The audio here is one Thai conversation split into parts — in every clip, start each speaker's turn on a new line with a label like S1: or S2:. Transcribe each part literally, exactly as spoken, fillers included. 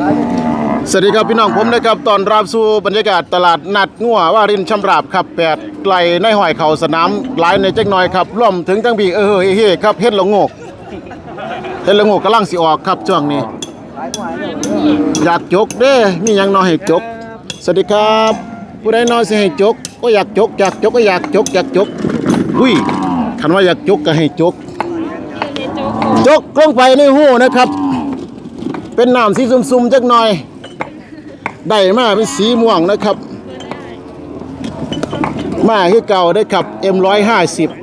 S1: สวัสดีครับพี่น้องผมนะครับตอนรับสู่บรรยากาศตลาดนัดงัวว่ารินชำราบครับแปดไกลในห้อยเข่าสนามหลายในจักหน่อยครับร่วมถึงทั้งบีเออเฮ้เฮ้ครับเฮ็ดละโงกเฮ็ดละโงกกำลังสิออกครับช่วงนี้อยากจกเด้มีหยังน้อยให้จกสวัสดีครับผู้ใดน้อยสิให้จกก็อยากจกอยากจกก็อยากจกอยากจกอุ้ยคันว่าอยากจกก็ให้จกจกลงไปในหูนะครับเป็นน้ำสีซุ่มๆจักหน่อยได้มาเป็นสีม่วงนะครับมาคือเก่าได้ครับ เอ็ม หนึ่งร้อยห้าสิบ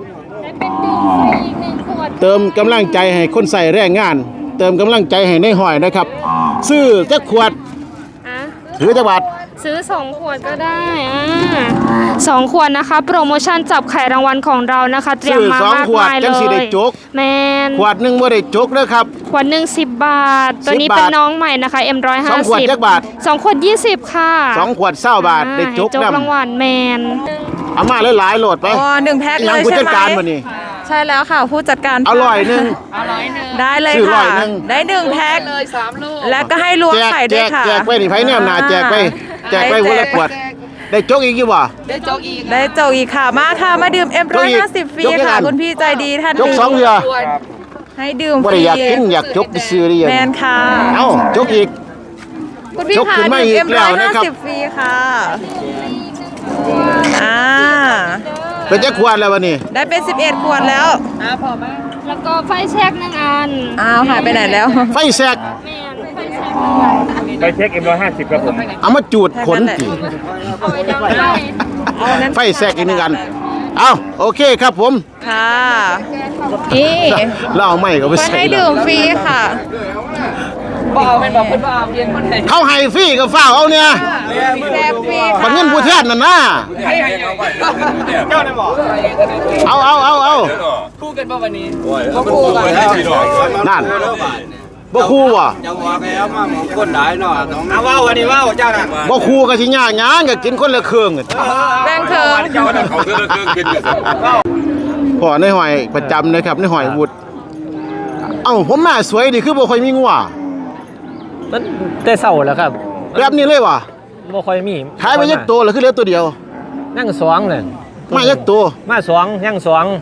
S1: เติมกำลังใจให้คนใส่แรงงานเติมกำลังใจให้ในหอยนะครับซื้อจักขวดถือจักบาท
S2: ซื้อสองขวดก็ได้อ่าสองขวดนะคะโปรโมชั่นจับไข่รางวัลของเรานะคะเตรียมมามากมายเลยแมน
S1: ขวดหนึ่งบ่ได้จกเด้อครับ
S2: ขวดหนึ่งสิบบาทตัวนี้เป็นน้องใหม่นะคะ เอ็ม หนึ่งร้อยห้าสิบ
S1: สองขวดจักบาท
S2: สองขวดยี่สิบค่ะ
S1: สองขวดเศร้าบาทได้จก
S2: รางวัลแมน
S1: เอามาหลายๆโหลดไป
S3: อ๋อหนึ่งแพ็คเลยใช่ไหมใช่แล้วค่ะผู้จัดการ
S1: อร่อยหนึ่ง
S3: ได้เลยค่ะได้หนึ่งแพ็คเลยสามลูกแล้วก็ให้รวมไข่ด้วยค่ะ
S1: แจกไปนี่ไผแนมหนาแจกไปแจกไปวันละขวดได้จกอีกอยู่บ่
S3: ได้จกอีกได้จกอีกค่ะมาค่ะมาดื่ม เอ็ม หนึ่งร้อยห้าสิบ ฟรีค่ะคุณพี่ใจดีท่าน
S1: จกสองเรือ
S3: ให้ดื่ม
S1: ฟรีอยากกินอยากจกไปซื้อได้ยัง
S3: แมนค่ะ
S1: เอ้าจกอีก
S3: คุณพี่ค่ะดื่ม เอ็ม หนึ่งร้อยห้าสิบ ฟรีค่ะอ่า
S1: เป็นจักขวดแล้ววันนี้
S3: ได้เป็นสิบเอ็ดขวดแล้ว
S2: อ่าพอไหมแล้วก็ไฟแช็กหนึ่งอัน
S3: อ้าวหายไปไหนแล้ว
S1: ไฟแซก
S4: ไฟเช็ค เอ็ม หนึ่งร้อยห้าสิบครับผม
S1: เอามาจูดขนจีไฟแซกอีกหนึ่งอันเอาโอเคครับผม
S3: ค่ะนี่
S1: เราเอาไม่ก็ไปใส่
S3: ให้ดื่มฟรีค่ะ
S4: บ่เอาเป็นแบบคนบ่เอาเพียงคนไหน
S1: เขาให้ฟรีก็ฝ้าเอาเนี่ย
S3: แจกฟรี
S1: ค่ะเงินผู้แทนนั่นนะเอาเอาเอาเอา
S4: คู่กันป่ะวันนี้
S1: บ่คู่กันนั่นบ่คู่ว่ะ
S5: จังหวะแล้วมาคนหลายเนาะ
S4: เอาว่าวันนี้ว่าเจ้าน่ะ
S1: บ่คู่ก็สิยากหยังก็กินคนละเครื่อง
S3: แบ่งเครื่อง
S5: เจ้าน่ะเขาคนละเครื่องกิน
S1: พ่อในหอยประจำนะครับในหอยวุฒเอ้าผมมาสวยดิคือบ่ค่อยมีงัว
S6: มันแต่เศร้าแล้วครับ
S1: แบบนี้เลยว่ะ
S6: บ่ค่อยมี
S1: ขายไปยักตัวเหรอคือเหลือตัวเดียว
S6: นั่งสองเลย
S1: มายักตัว
S6: มาสองยังสอง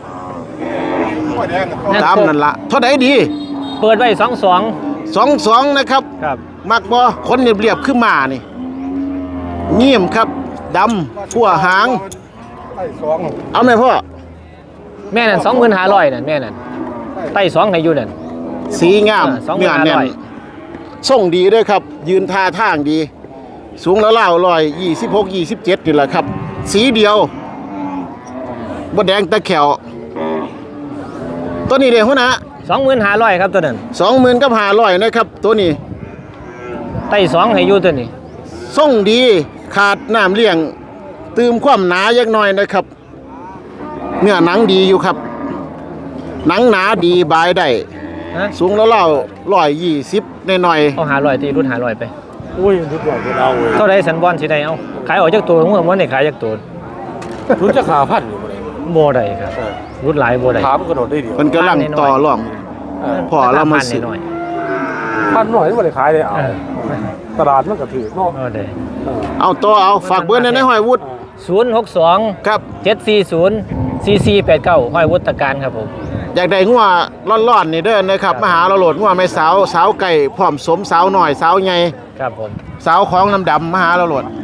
S1: ตามนั่นล่ะเท่าใดดี
S6: เปิดไว้สองสอง
S1: สองสองนะครับ
S6: ครับ
S1: มักบ่คนเรียบๆขึ้นมานี่เงียบครับดำขั้วหางเอาไหมพ่อ
S6: แม่นั่นสองหมื่นห้าร้อยนั่นแม่นั่นไต่สองให้อยู่นั่น
S1: สีงามเนื้อแน่นส่งดีด้วยครับยืนท่าทางดีสูงแล้วเล่าลอยยี่สิบหกยี่สิบเจ็ดนี่แหละครับสีเดียวบดแดงตะแขวตัวนี้เดี๋ยวหัวหน้า
S6: สองหมื่นห้าร้อยครับตัวนั้น
S1: สองหมื่นกับห้าร้อยนะครับตัวนี้
S6: ไต่สองให้อยู่ตัวนี้
S1: ส่งดีขาดน้ำเลี้ยงตืมความหนายักหน่อยนะครับเนื้อหนังดีอยู่ครับหนังหนาดีบายได้สูงแล้วเล่าร้อยยี่สิบหน่อย
S6: ๆเอาหาร้อยตีรุ่นหาร้อยไป
S5: อุ้ยรุ่นร้อยเรา
S6: เท่าไรสันบอลสิได้เอาขายออกจากตัวเมื่อวันไหนขายจากตัว
S5: รุ่นจะขาพันอยู่
S6: โบได้ครับรุ่นหลายโบได้
S5: ขามันกระโดดได้ดี
S1: มันกำลังต่อร่องพอเรามาซื้อ
S5: พันหน่อยไม่ได้ขายเลยเอาตลาดมันก็ถือเนาะ
S1: เอาตัวเอาฝากเบอร์ในหอยวุฒิ
S6: ศูนย์หกสอง
S1: ครับ
S6: เจ็ดสี่ศูนย์สี่สี่แปดเก้าหอยวุฒิการครับผม
S1: อยากได้งัวร้อนๆนี่เด้อนะครับมาหาเราโหลดงัวไม่สาวสาวไก่พร้อมสมสาวหน่อยสาวใหญ่
S6: ครับผม
S1: สาวของน้ำดำมาหาเราโหลด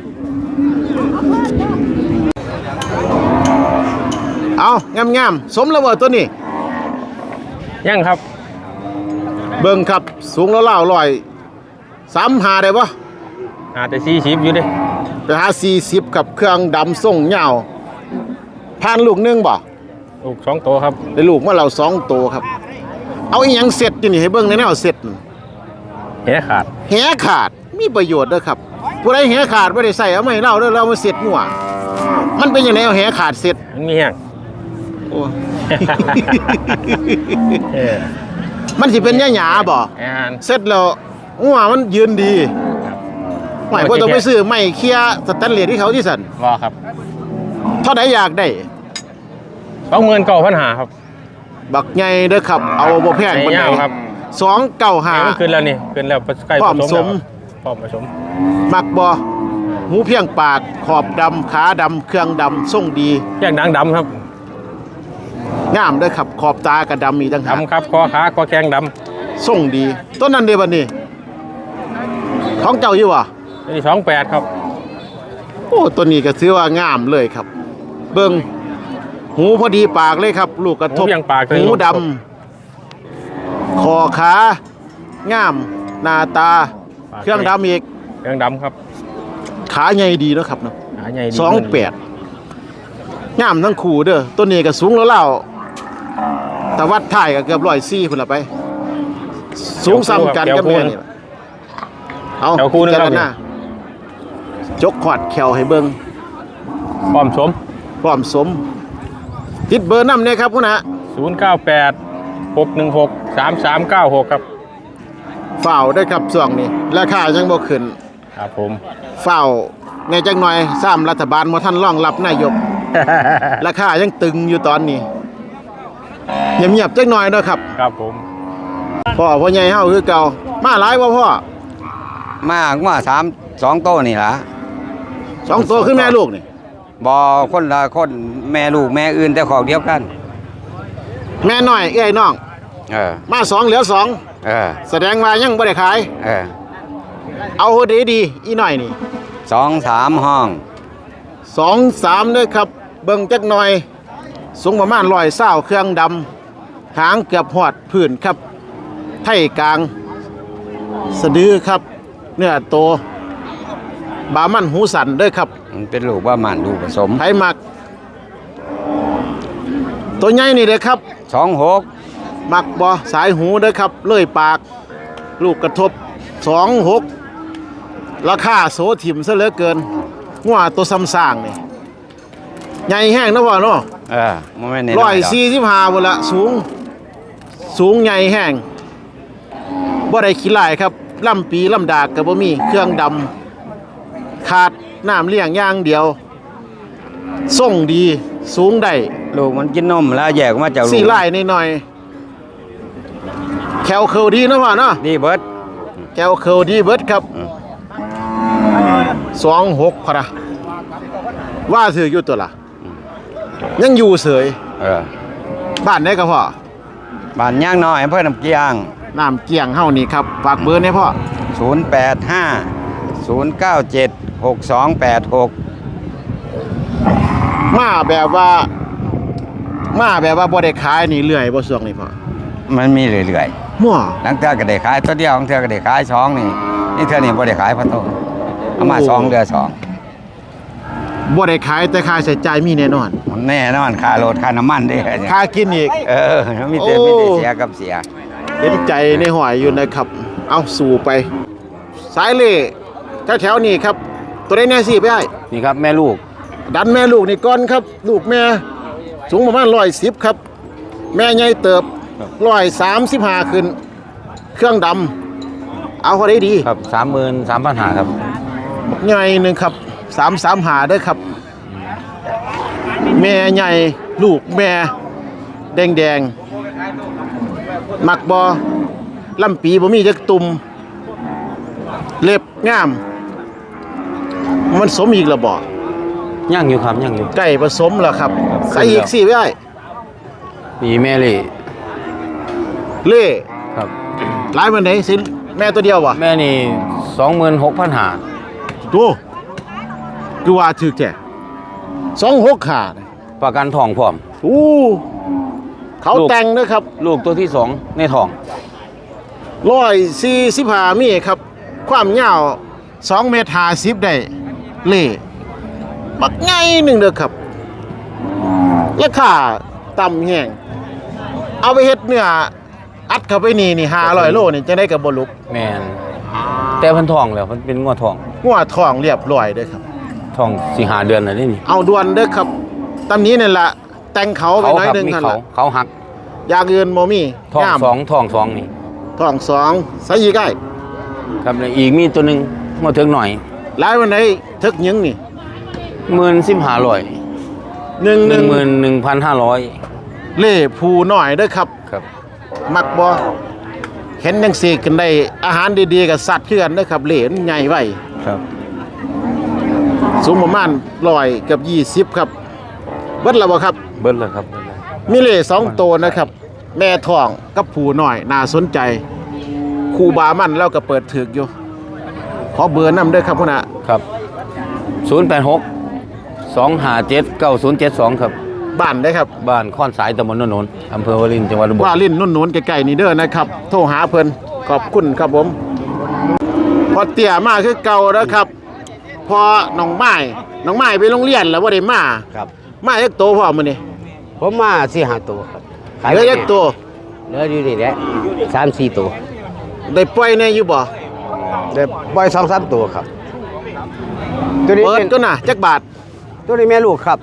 S1: เอางามๆสมแล้วบ่ตัวนี้
S6: ยังครับ
S1: เบิ่งครับสูงแล้วเล่าลอยสามหาได้ปะ
S6: หาแต่สี่สิบอยู่ดิ
S1: ไปหาสี่สิบกับเครื่องดำส่งเหงาผ่านลูกนึงบ่
S6: ลูกสองตัวครับ
S1: ได้ลูกเมื่อเราสองตัวครับเอาอีหยังเสร็จอยู่นี่ให้เบิ่งในแนวเสร็จ
S6: แหขาด
S1: แหขาดมีประโยชน์เด้อครับผู้ใดแหขาดไม่ได้ใส่เอาไม่เล่าเด้อเรามาเสร็จงัวมันเป็นยังไงเอาแหขาดเสร็จ
S6: มันมีแหง
S1: โอ้ มันสิเป็นหยาๆบ่เสร็จแล้วงัวมันยืนดีไม่พอต้องไปซื้อไม่เคลียร์สแตนเลสที่เขาที่สั่น
S6: ว่าครับ
S1: เท่าไหร่อยากได้
S6: สองหมื่นเก้าพันหาครับ
S1: บักใหญ่เด้อครับเอาบ่แพงปานใด
S6: ครับ
S1: สองเก้าห้า
S6: ขึ้นแล้วนี่ขึ้นแล้วใกล้
S1: ผสม
S5: พร้อมผสม
S1: มักบ่หูเพียงปากขอบดำขาดำเครื่องดำทรงดี
S5: แยกหนังดำครับ
S1: งามเด้อครับขอบตากระดำมีตั้งหาก
S5: ดำครับคอขาคอแข้งด
S1: ทรงดีต้นนั้นเด้บัดนี้ท้องเจ้าอยู่วะ
S5: ำนี่สองแปดครับ
S1: โอ้ตัวนี้ก็ถือว่างามเลยครับ เบิ่งหูพอดีปากเลยครับ ลูกกระทบ
S5: หูยังปากเลย
S1: หูดำคอขางามหน้าตา เครื่องดำอีก
S5: เครื่องดำครับ
S1: ขาใหญ่ดีเนาะครับเนาะ
S5: หาใหญ่ดี
S1: สองแปดงามทั้งคู่เด้อตัวนี้ก็สูงแล้วเล่าแต่วัดถ่ายก็เกือบร้อยสี่พุ่นละไป สูงซ้ำกันกับแม่นี่ล่ะเอา
S5: แถวคู่นึง
S1: พิ
S5: ครั
S1: จา
S5: บ
S1: รณาจกขอดแขวให้เบิ่ง
S5: พร้อมสม
S1: พร้อมสม ติดเบอร์นำเนี่ยครับคุณฮะ
S5: ศูนย์เก้าแปดหกหนึ่งหกสามสามเก้าหกครับ
S1: ฝ่าวได้ครับช่วงนี้ราคายังบ่ขึ้น
S5: ครับผม
S1: ฝ่าวในจักหน่อยซ้ำรัฐบาลบ่ทันรองรับนายก ราคายังตึงอยู่ตอนนี้เงียบๆจักหน่อยเด้อครับ
S5: ครับผม
S1: พ่อพ่อใหญ่เฮาคือเก่ามาหลายบ่พ่อ
S7: มากว่าสามสองโตวนี่ล่ะ
S1: สองตัวคือแม่ลูกนี่
S7: บอคนละคนแม่ลูกแม่อื่นแต่ของเดียวกัน
S1: แม่น้อยเอ้ยน้อง
S7: เออ
S1: มาสองเหลือสอง
S7: เออ
S1: แสดงว่ายังบ่ได้ขาย
S7: เออ
S1: เอาดีดีๆอีหน่อยนี่
S7: สองสามห้อง
S1: สองสามเด้อครับ เบิ่งจักหน่อย สูงประมาณร้อยเศร้าเครื่องดำหางเกือบหอดพื้นครับ ไทยกลาง สะดือครับ เนื้อโต บามันหูสันเด้อครับ
S7: มันเป็นลูกว่ามันลูกผสม
S1: ไทยมัก ตัวใหญ่นี่เด้อครับ
S7: สองหก
S1: มักบ่สายหูเด้อครับ เลื่อยปาก ลูกกระทบสองหกราคาโสถิ่มซะเหลือเกินงัวตัวซ้ำสร้างนี่ใหญ่แห้งนะพ่อเนาะ
S7: เออมันไม่เน้น
S1: ร้อยสี่สิบห้าบนละสูง สูงใหญ่แห้งบ่ได้ขี้ลายครับลำปีลำดากกับบ่มีเครื่องดำขาดน้ำเลี้ยงอย่างเดียวส่งดีสูงได้
S7: ลูกมันกินนมแล้วแยกออกมาจากลูก
S1: สี่ลายนิดหน่อยๆแคลเคิลดีนะพ่อเนาะ
S7: ดีเบิด
S1: แคลเคิลดีเบิดครับ
S7: อืม
S1: สองหกพะนะว่าถืออยู่ตัวละยังอยู่เสย
S7: เออ
S1: บ้านไหนก็พ่อ
S7: บ้านย่างน้อยอำเภอน้ำเกียง
S1: น้ำเกียงเฮานี่ครับฝากเบอร์ให้พ่อ
S7: ศูนย์แปดห้าศูนย์เก้าเจ็ดหกสองแปดหก
S1: มาแบบว่า มาแบบว่าบ่ได้ขายนี่เรื่อยบ่ช่วงนี้พ่อ
S7: มันมีเรื่อย
S1: มั่ว
S7: ๆหลังเทื่อก็ได้ขายตัวเดียวของเทื่อก็ได้ขายสองนี่นี่เทื่อนี่บ่ได้ขายพะโตเอามาสองเดือสอง
S1: บ่ได้ขายแต่ค่าใช้จ่ายมีแน่นอน
S7: มันแน่นอนค่ารถค่าน้ำมันเด้
S1: ค่ากินอีก
S7: เออมีแต่
S1: โอ้
S7: มีแต่เสียกับเสีย
S1: เห็นใจในหอยอยู่นะครับ เอาสู่ไป สายเล่แถวๆนี้ครับ ตัวได้แน่สิไปให้
S7: นี่ครับแม่ลูก
S1: ดันแม่ลูกนี่ก่อนครับ ลูกแม่ สูงประมาณร้อยสิบครับ แม่ใหญ่เติบร้อยสามสิบห้าขึ้น เครื่องดำเอาเขาได้ดี
S7: ครับสามหมื่นสามพันหาครับ
S1: ใหญ่หนึ่งครับสามสามหาเด้อครับ แม่ใหญ่ลูกแม่ แดงแดงๆมักบอลำปีบ่มีจักตุ่มเล็บงาม มันสมอีกแล้วบ่
S7: ย่างอยู่ครับย่างอยู่
S1: ไก่ผสมแล้วครับ ใส่อีกสิไว้ได้
S7: มีแม่เลย
S1: เล่
S7: ครับ
S1: หลายมันไหนสิแม่ตัวเดียววะ
S7: แม่นี่สองหมื่นหกพันหา
S1: ดูคือว่าถึกแก่สองหกขาด
S7: ประกันทองพร้อม
S1: อู้เขา
S7: ลูก
S1: แต่งนะครับ
S7: ลูกตัวที่สองในทอง
S1: ร้อยสี่สิบห้ามีครับ ความยาวสองเมตรห้าสิบได้เล่บักไงหนึ่งเด้อครับราคาต่ำแห้งเอาไปเฮ็ดเนื้ออัดเข้าไปนี่นี่ห้าร้อยโลนี่จะได้กับบลุก
S7: แมนแต่เพันทองแล้วมันเป็นงวดทอง
S1: งัวทองเรียบร้อยเด้อครับ
S7: ทองสี่หาเดือนอะไรนี่
S1: เอาด่วนเด้อครับตำนี้นี่แหละแต่งเขาไป
S7: เขา
S1: หน้อย
S7: ครับ
S1: หนึง
S7: มี
S1: หั่น
S7: เขา
S1: ล่ะ
S7: เขาหัก
S1: อย่างอื่นบ่มี
S7: ทอง
S1: งาม
S7: สองทองสองนี่
S1: ทองสองใส่อีกได้
S7: ครับแล้วอีกมีตัวหนึ่งมาถึงหน่อย
S1: หลายวันไหนทึกหยังนี่
S7: หมื่นสิบห้าร้อย
S1: หนึ่ง
S7: ห
S1: ห
S7: นึ่
S1: นึ่
S7: ง
S1: ง
S7: หมื่นหนึ่งพันห้าร้อย
S1: เล่ผูหน่อยเด้อครับ
S7: ครับ
S1: มักบ่เห็นจังซี่กันได้อาหารดีๆกับสัตว์คือกันเด้อครับเหลนใหญ่ไว้
S5: ครับ
S1: สูงประมาณร้อยกับยี่สิบครับเบิดแล้วบ่ครับ
S5: เบิ้ลเลยครับ
S1: มีเหล่สองตัวนะครับ แม่ทองกับผูน้อยน่าสนใจครูบามันแล้วก็เปิดถึกอยู่ขอเบอร์นำเด้อครับพุ่นน่ะ
S8: ครับศูนย์แปดหกสองห้าเจ็ดเก้าศูนย์เจ็ดสองครับ
S1: บ้านได้ครับ
S8: บ้านข้อนสายตำบลโนนนอำเภอวารินจังหวัดอุบล
S1: ว่าลิ้นนุ่นนุ่นๆใกล้ๆนี่เด้อนะครับโทรหาเพิ่นขอบคุณครับผมพอเตี่ยมาคือเก่าแล้วครับ พอน้องไม้น้องไม้ไปโรงเรียนแล้วบ่ได้มา
S9: ครับ
S1: มาจักโตพร้อมมื้อนี้
S9: ผมมาสี่ห้าตัวครับ
S1: เหลือจักโต
S9: เหลืออยู่นี่แหละสามสี่ตัว
S1: ได้ปล่อยแน่อยู่บ่
S9: เดี๋ยวปล่อยสองสามตัวครับ ตัวนี้
S1: เปิด
S9: เป็น
S1: ก็น่ะจักบาท
S9: ตัวนี้แม่ลูกครับ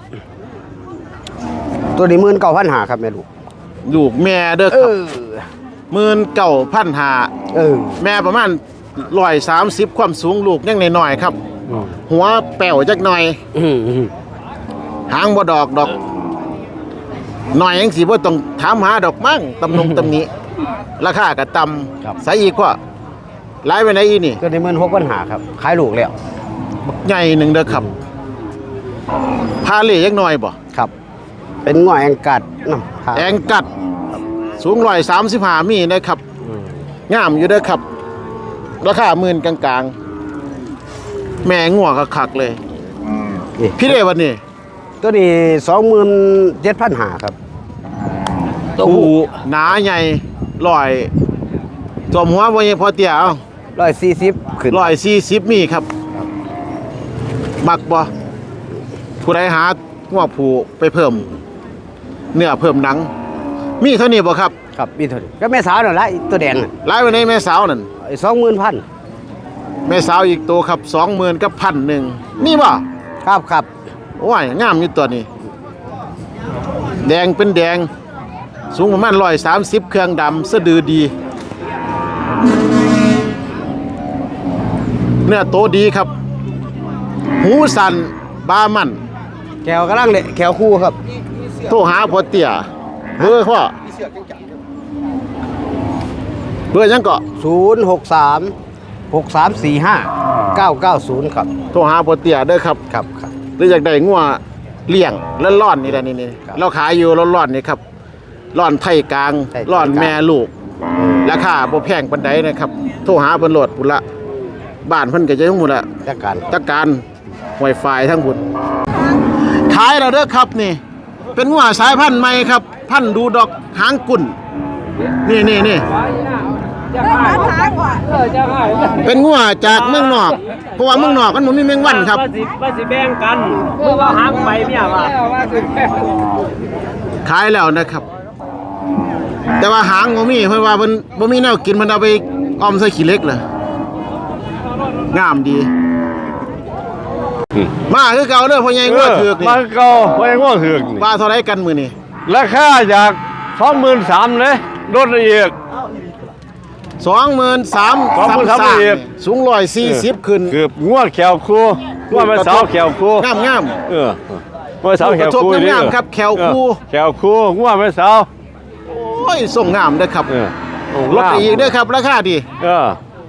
S9: ตัวนี้หมื่นเก้าพันหาครับแม่ลูก
S1: ลูกแม่เด้อ
S9: เอ
S1: ครับ
S9: อ
S1: หมื่นเก้าพันห้า
S9: เออ
S1: แม่ประมาณร้อยสามสิบความสูงลูกยังน้อยๆครับ
S9: อืม
S1: หัวแป้วจักหน่อย
S9: อืมอืม
S1: หางบ่ดอกดอกหน่อยยังสิบ่ต้องถามหาดอกมั่งตำนงตำหนี้ราคาก็ต่ำใส่อีกว่าหลายไปไหนอีนี่
S9: ตัวนี้หมื่นหกพันหาครับ ขายลูกแล้ว
S1: ใหญ่หนึ่งเด้อครับพาเล่ยังน้อยบ่
S9: ครับ เป็นง่อยแองกัดน้ำครับ
S1: แองกัดสูงร้อยสามสิบห้ามีนะครับ
S9: อืม
S1: งามอยู่เด้อครับ ราคาหมื่นกลางๆ แม่งัวก็คักเลย
S9: นี่
S1: พี่เด้วันนี้
S9: ตัวนี้สองหมื่นเจ็ดพันหาครับ
S1: ตัวหนาใหญ่ลอยจมหัวบ่ยังพอเตี้ยเอา
S9: ร้อยสี่สิบขึ้น
S1: ร้อยสี่สิบมีครับ มักบ่ผู้ใดหาหัวผูไปเพิ่ม เนื้อเพิ่มหนัง มีเท่านี้บ่ครับ
S9: ครับมีเท่านี้ก็แม่สาวนั่นแหละอีตัวแดงน่ะ
S1: หลายวันนี้แม่สาวนั่น
S9: สองหมื่นพัน
S1: แม่สาวอีกตัวครับสองหมื่นกับพันหนึ่งมีบ่
S9: ครับครับ
S1: โอ้ยงามอยู่ตัวนี้ แดงเป็นแดง สูงประมาณร้อยสามสิบเครื่องดำสะดือดี เนื้อโตดีครับ หูสันบามัน
S9: แขวกำลังเลยแขวคู่ครับ
S1: โทรหาพอเตี่ยเบอร์พ่อเบอร์ยังเกาะ
S9: ศูนย์หกสามหกสามสี่ห้าเก้าเก้าศูนย์ครับ
S1: โทรหาพอเตี่ยเด้อครับ
S9: ครับครับ
S1: หรืออยากได้งัวเลี้ยงแล้วร่อนนี่แหละนี่นี่
S9: ครับ
S1: เราขายอยู่ร้อนร่อนนี่ครับร่อนไทยกลาง
S9: ไทยกลาง
S1: ร่อนแม่ลูกราคาบ่แพงปานใดนะครับ โทรหาเพิ่นโหลดพุ่นละบ้านเพิ่นก็จะทั้งหมดละ
S9: จัดการ
S1: จักการ Wi-Fi ทั้งบุญขายแล้วเด้อครับนี่ เป็นงัวสายพันธุ์ใหม่ครับ พันธุ์ดูดอกหางกุ่นนี่นี่นี่เป็นงัวจากเมืองนอก เพราะว่าเมืองนอกมันบ่มีแมงวันครับ
S6: ว่าสิว่าสิแบ่งกันเมื่อว่าหางไปเนี่ยว่า
S1: ขายแล้วนะครับ แต่ว่าหางบ่มีเพราะว่าเพิ่นบ่มีแนวกินมันเอาไปออมใส่ขี้เหล็กเลยงามดี มาคือเก่าเด้อพ่อใหญ่งัวถือกนี่
S5: มาเก่าไว้ง้อถือกนี่
S1: ว่าเท่าไรกันมื้อนี้
S5: ราคาจากสองหมื่นสามเลยลดละเอียด
S1: สองหมื่นสาม
S5: สองหมื่นสามอีก
S1: สูงร้อยสี่สิบขึ้น
S5: เกือบง้อแขวคู่ง้อแม่สาวแขวคู่
S1: งามงาม
S5: เออแม่สาวแขวคู่
S1: กระทบงามๆครับแขวคู่
S5: เออแขวคู่ง้อแม่สาว
S1: โอ้ยส่งงามเด้อครับ
S5: เออ
S1: ลดไปอีกเด้อครับ ราคาดี
S5: เออ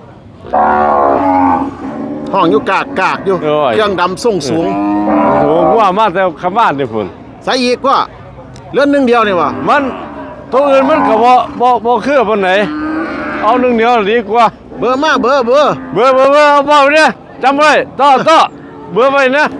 S1: ห้องอยู่กากกากอยู่
S5: โอ้ย
S1: เครื่องดำส่งสูง
S5: โอ้โหง้อมาแต่คำบ้านนี่พุ่น
S1: ใส่อีกว่าเลือนหนึงเดียวนี่วะ
S5: มันตัวอื่นมันก็บ่บ่บ่คือปานไหนเอาหนึ่งเดียวดีกว่า
S1: เบอร์มาเบอร์เบอร์
S5: เบอร์เบอร์เบอร์เอาเบอร์เนี่ยจำไว้ต่อต่อเบอร์ไว้นะ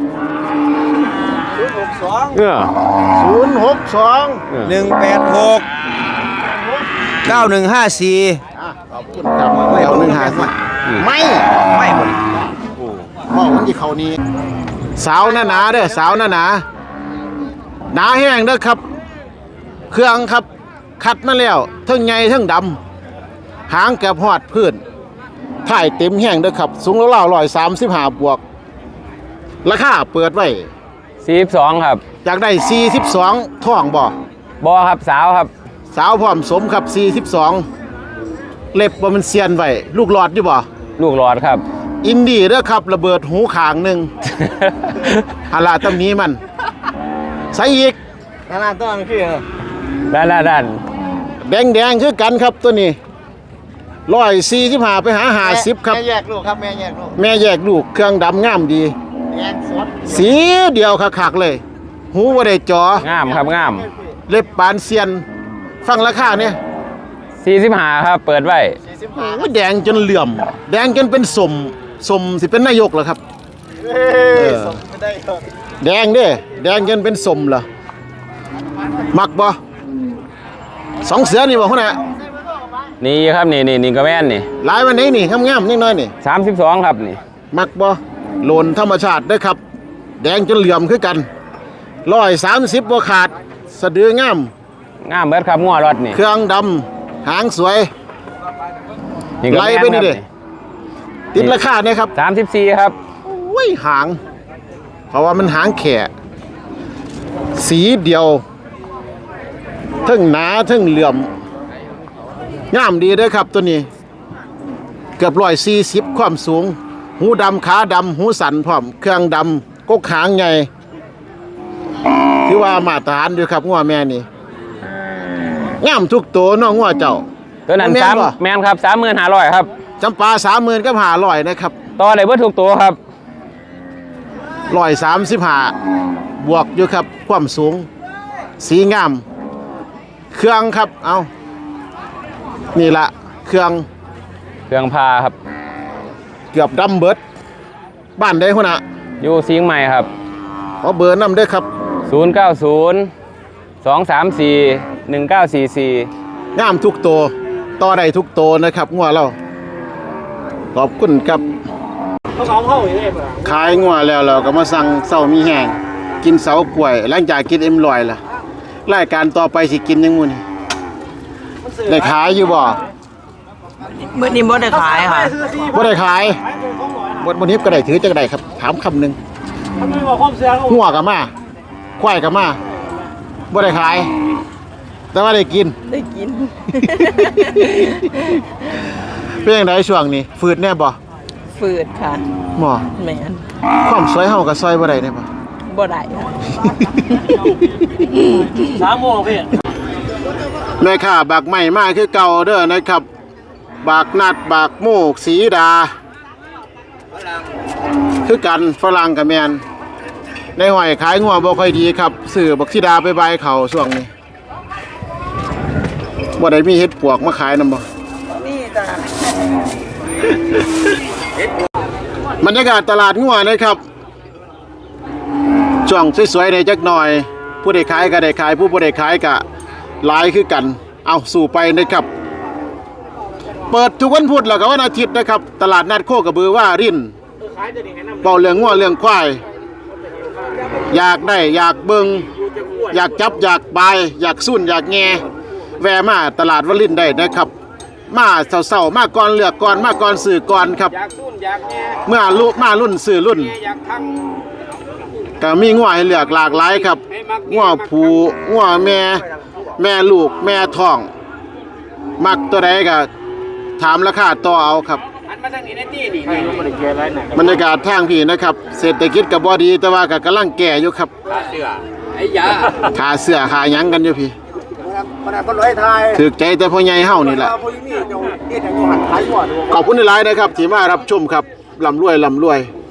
S5: เออ
S1: ศูนย์หกสอง
S9: หนึ่งแปดหกเก้าหนึ่งห้าสี่
S1: ขอบคุณครับไม่เอาหนึ่งหาสิไม่
S9: ไม่หมด
S1: พ่อมันที่เขานี้สาวหนาหนาๆเด้อสาวหนาหนาหนาแห้งเด้อครับ เครื่องครับคัดมาแล้วเทั้งใหญ่เทั้งดำหางแกบหอดพื้นถ่ายเต็มแห้งเด้อครับ สูงแล้วเล่าร้อยสามสิบห้าบวก ราคาเปิดไว้
S8: สี่สิบสองครับ
S1: อยากได้สี่สิบสองท่องบ่
S8: บอครับสาวครับ
S1: สาวพร้อมสมครับสี่สิบสองเล็บบ่มันเซียนไว้ลูกหลอดอยู่บ่
S8: ลูกหลอดครับ
S1: อินดี้เด้อครับระเบิดหูขางหนึ่ง ฮาลาตำนี้มันใส่อีก
S9: ขนาดต้องคือ
S8: ด้านด้านด้าน
S1: แดงแดงๆคือกันครับตัวนี้ร้อยสี่สิบห้าไปหาห้าสิบครับ
S9: แม่แยกลูกครับแม่แยกลูก
S1: แม่แยกลูกเครื่องดำงามดี
S9: แยกสด
S1: สีเดียวคักๆเลย หูบ่ได้จอง
S5: ามครับงาม
S1: เล็บปานเซียน ฟังราคาเนี่ย
S5: สี่สิบห้าครับ เปิดไว้
S1: โอ้ยแดงจนเหลื่อม แดงจนเป็นสมสมสิเป็นนายกเหรอครับ
S9: เอ้ยสดไม่ได้ครับ
S1: แดงเด้แดงจนเป็นสมเหรอมักบ่สองเสือนี่บ่ฮู้น่ะ
S5: นี่ครับนี่นี่นี่ก็แม่นนี่
S1: หลายวันนี้นี่งามๆนิดหน่อยนี่
S5: สามสิบสองครับนี่
S1: มักบ่โลนธรรมชาติเด้อครับ แดงจนเหลื่อมคือกันร้อยสามสิบบ่ขาดสะดืองาม
S5: งามเบิดครับงัวรถนี่
S1: เครื่องดำหางสวย
S5: นี่ก็
S1: ไล่
S5: แม่น
S1: ไปนี่
S5: ครับ
S1: เด้ติดราคาเนี่ยครับ
S5: สามสิบสี่ครับ
S1: โอ้ยหาง เพราะว่ามันหางแขะสีเดียวเทั้งหนาเทั้งเหลื่อมงามดีเด้อครับตัวนี้ เกือบร้อยสี่สิบความสูง หูดำขาดำหูสันพร้อมเครื่องดำกกหางใหญ่ถือว่ามาตรฐานอยู่ครับงัวแม่นี่งามทุกตัวเน้องงัวเจ้า
S5: ตัวนั้น
S1: แม่น
S5: สาม
S1: บ่
S5: แม่นครับสามหมื่นห้าร้อยครับ
S1: จำปาสามหมื่นกับหาร้อยนะครับ
S5: ต่อได้เบิดทุกตัวครับ
S1: ร้อยสามสิบห้าบวกอยู่ครับ ความสูง สีงาม เครื่องครับเอานี่ละเครื่อง
S5: เครื่องพาครับ
S1: เกือบดำเบิด บ้านได้หัวหน้า
S5: อยู่สิงห์ใหม่ครับ
S1: ขอเบอร์นำด้วยครับ
S5: ศูนย์เก้าศูนย์ สองสามสี่ หนึ่งเก้าสี่สี่
S1: งามทุกตัวต่อได้ทุกตัวนะครับงัวเราขอบคุณครับขายงัวแล้วเราก็มาสั่งเสามีแห้งกินเสากล้วย หลังจากกินเอ็มลอยล่ะรายการต่อไปสิกินยังมุนได้ขายอยู่บ่
S3: เมื่อนี้บ่ได้ขายค่ะ
S1: บ่ได้ขายบ่บ่นี้ก็ได้ถือจังได๋ครับ ถามคำหนึงหัวก็มาควายก็มาบ่ได้ขาย แต่ว่าได้กิน
S3: ได้กิน
S1: เป็นจังไดช่วงนี้ฝืดแน่บ่
S3: ฝืดค่ะ
S1: หมอ
S3: แม่น
S1: ความสวยเฮาก็ซอยบ่ได้แน่บ่
S3: บ่ได้ค่ะ
S4: สามโมงพี่
S1: แม่ค้าบากใหม่มาคือเก่าเด้อนะครับ บากนัดบากโมกสีดา คือกันฝรั่งกับแมนในห้อยขายงัวบ่ค่อยดีครับซื้อบักสีดาไปบายเขาช่วงนี้บ่ได้มีเฮ็ดปวกมาขายนำบ่
S3: นี่จ้ะ
S1: บรรยากาศตลาดงัวนะครับช่วงสวยๆในจักหน่อย ผู้ใดขายก็ได้ขายผู้บ่ได้ขายก็หลายคือกัน เอาสู่ไปนะครับ เปิดทุกวันพุธแล้วก็วันอาทิตย์นะครับ ตลาดนัดโคกระบือว่ารินเป่าเรื่องงัวเรื่องควายอยากได้อยากเบิงอยากจับอยากบายอยากสุ่นอยากแงแวะมาตลาดวลินได้นะครับ มาเศร้าๆมาก่อนเลือกก่อนมาก่อนสื่อก่อนครับเมื่อลุมารุ่นสื่อรุ่นก็มีงัวให้เลือกหลากหลายครับงัวผูงัวแม่แม่ลูกแม่ท้องมักตัวใดก็ถามราคาต่อเอาครับบรรยากาศทางพี่นะครับ เศรษฐกิจก็บ่ดีแต่ว่าก็กำลังแก่อยู่ครับขาเสื้อไอ้ยาขาเสื้อขาหยังกันอยู่พี่ถึกใจแต่พ่อใหญ่เฮานี่แหละขอบคุณหลายๆนะครับที่มารับชมครับร่ำรวยร่ำรวย